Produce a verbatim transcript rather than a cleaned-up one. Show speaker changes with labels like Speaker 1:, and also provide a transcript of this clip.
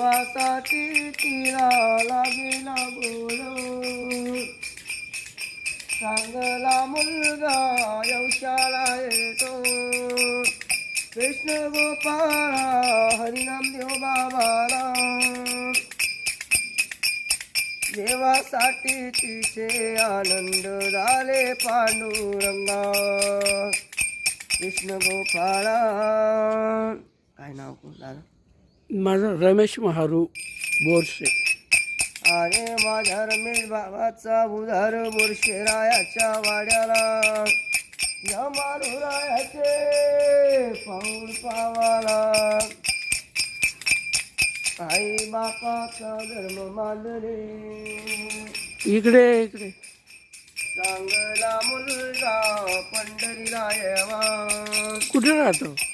Speaker 1: देवासाठी तिला लागेना बोल चांगला मुलगा यवशाला येतो कृष्ण गोपाळा हरिनाम देव बाबाला देवासाठी तिचे आनंद झाले पांडुरंगा कृष्ण गोपाळा. काय नाव दादा?
Speaker 2: माझं रमेश महारू बोरसे.
Speaker 1: अरे माझ्या रमेश बाबाचा उधार बोरशेरायाच्या वाड्याला या मारुरायाचे पाऊल पावाला आई बापाचा धर्म मानले
Speaker 2: इकडे इकडे
Speaker 1: चांगला मुलगा पंढरीला यावा.
Speaker 2: कुठे राहतो?